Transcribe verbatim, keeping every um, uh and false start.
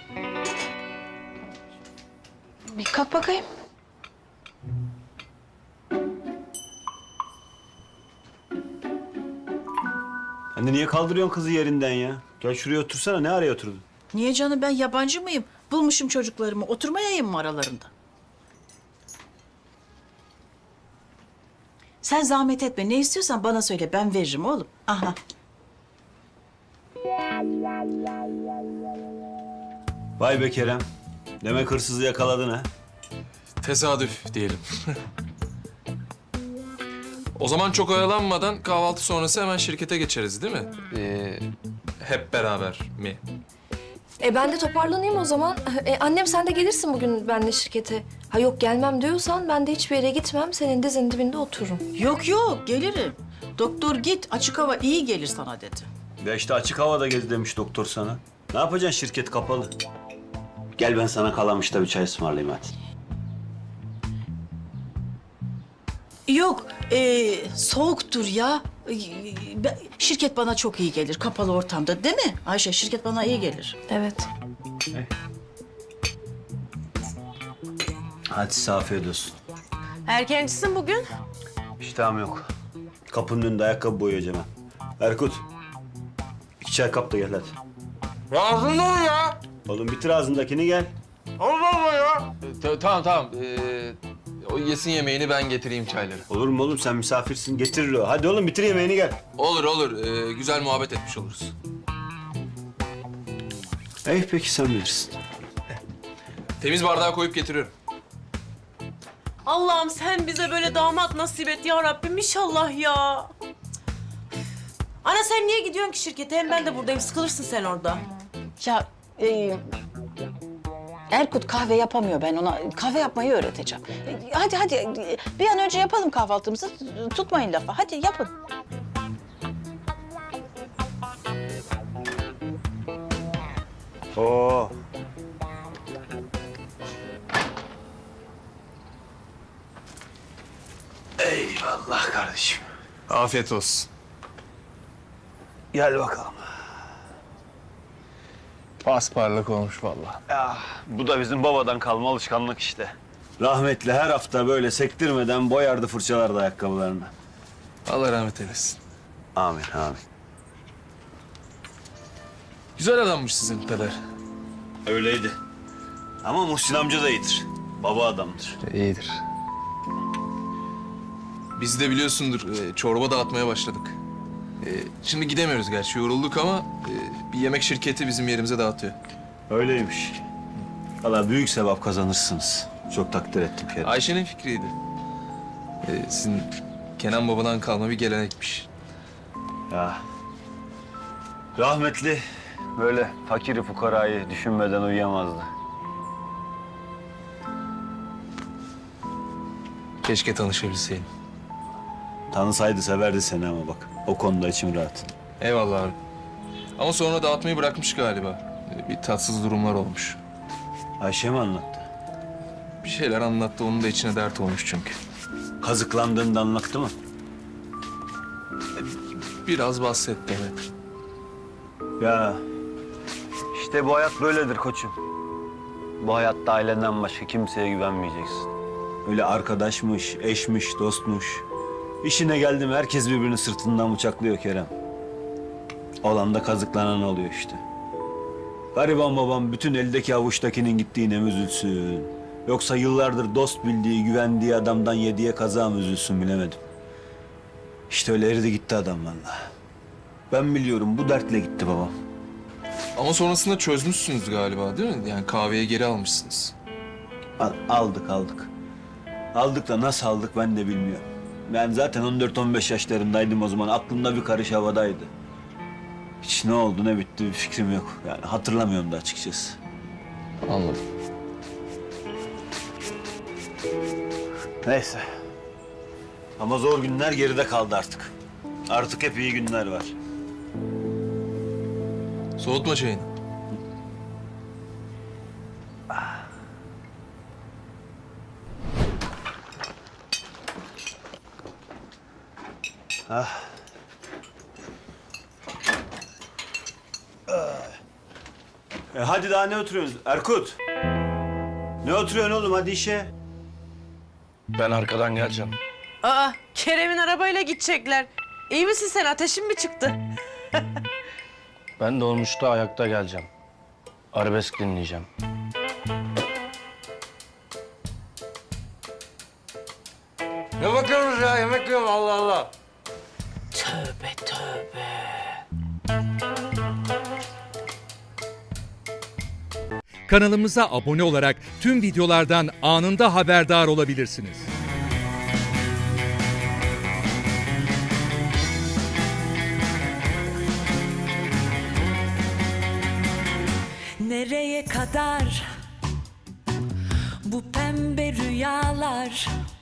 Bir kalk bakayım. Anne niye kaldırıyorsun kızı yerinden ya? Gel şuraya otursana. Ne araya oturdun? Niye canım, ben yabancı mıyım? Bulmuşum çocuklarımı. Oturmayayım mı aralarında? Sen zahmet etme. Ne istiyorsan bana söyle. Ben veririm oğlum. Aha. Vay be Kerem. Demek hırsızı yakaladın ha? Tesadüf diyelim. O zaman çok oyalanmadan kahvaltı sonrası hemen şirkete geçeriz değil mi? Ee, hep beraber mi? E ben de toparlanayım o zaman. E, annem sen de gelirsin bugün benimle şirkete. Ha yok gelmem diyorsan ben de hiçbir yere gitmem. Senin dizinin dibinde otururum. Yok yok, gelirim. Doktor git, açık hava iyi gelir sana dedi. Ya işte açık havada gez demiş doktor sana. Ne yapacaksın, şirket kapalı. Gel ben sana Kalamış'ta bir çay ısmarlayayım hadi. Yok, e, soğuktur ya. E, ben- Şirket bana çok iyi gelir kapalı ortamda, değil mi Ayşe? Şirket bana iyi gelir. Evet. Hadi size afiyet olsun. Erkencisin bugün. İştahım yok. Kapının önünde ayakkabı boyayacağım ben. Erkut. İki çay kap da gel hadi. Ağzında ol ya. Oğlum bitir ağzındakini gel. Allah Allah ya. tamam tamam. Ee, o yesin yemeğini ben getireyim çayları. Olur mu oğlum, sen misafirsin, getirir o. Hadi oğlum bitir yemeğini gel. Olur olur. Ee, güzel muhabbet etmiş oluruz. Ey peki sen bilirsin. Temiz bardağa koyup getiriyorum. Allah'ım sen bize böyle damat nasip et ya Rabbim inşallah ya. Ana sen niye gidiyorsun ki şirkete? Hem ben de buradayım. Sıkılırsın sen orada. Ya e, Erkut kahve yapamıyor, ben ona kahve yapmayı öğreteceğim. E, hadi hadi e, bir an önce yapalım kahvaltımızı, tutmayın lafa. Hadi yapın. Oo. Eyvallah kardeşim. Afiyet olsun. Gel bakalım. Pasparlak olmuş vallahi. Ya, bu da bizim babadan kalma alışkanlık işte. Rahmetli her hafta böyle sektirmeden boyardı, fırçalardı ayakkabılarını. Allah rahmet eylesin. Amin, amin. Güzel adammış sizin peder. Öyleydi. Ama Muhsin amca da iyidir. Baba adamdır. İyidir. Biz de biliyorsundur e, çorba dağıtmaya başladık. E, şimdi gidemiyoruz gerçi yorulduk ama e, bir yemek şirketi bizim yerimize dağıtıyor. Öyleymiş. Valla büyük sevap kazanırsınız. Çok takdir ettim Kerem. Ayşe'nin fikriydi. E, sizin Kenan babadan kalma bir gelenekmiş. Ya. Rahmetli böyle fakiri fukarayı düşünmeden uyuyamazdı. Keşke tanışabilseydim. Tanısaydı severdi seni ama bak. O konuda içim rahat. Eyvallah abi. Ama sonra dağıtmayı bırakmış galiba. E, bir tatsız durumlar olmuş. Ayşe mi anlattı? Bir şeyler anlattı, onun da içine dert olmuş çünkü. Kazıklandığını da anlattı mı? Biraz bahsetti evet. Ya işte bu hayat böyledir koçum. Bu hayatta ailenden başka kimseye güvenmeyeceksin. Öyle arkadaşmış, eşmiş, dostmuş. İşine geldi mi herkes birbirini sırtından bıçaklıyor Kerem. Olan da kazıklanan oluyor işte. Gariban babam bütün eldeki avuçtakinin gittiğine mi üzülsün? Yoksa yıllardır dost bildiği, güvendiği adamdan yediye kaza mı üzülsün bilemedim. İşte öyle eridi gitti adam vallahi. Ben biliyorum bu dertle gitti babam. Ama sonrasında çözmüşsünüz galiba değil mi? Yani kahveye geri almışsınız. Al- aldık aldık. Aldık da nasıl aldık ben de bilmiyorum. Ben zaten on dört on beş yaşlarındaydım o zaman. Aklımda bir karış havadaydı. Hiç ne oldu ne bitti bir fikrim yok. Yani hatırlamıyorum da açıkçası. Anladım. Neyse. Ama zor günler geride kaldı artık. Artık hep iyi günler var. Soğutma çayını. E hadi daha ne oturuyorsunuz? Erkut. Ne oturuyorsun oğlum? Hadi işe. Ben arkadan geleceğim. Aa, Kerem'in arabayla gidecekler. İyi misin sen? Ateşin mi çıktı? Ben dolmuşta ayakta geleceğim. Arabesk dinleyeceğim. Ne bakıyorsunuz ya? Yemek yiyorum Allah Allah. Tövbe tövbe. Kanalımıza abone olarak tüm videolardan anında haberdar olabilirsiniz. Nereye kadar bu pembe rüyalar?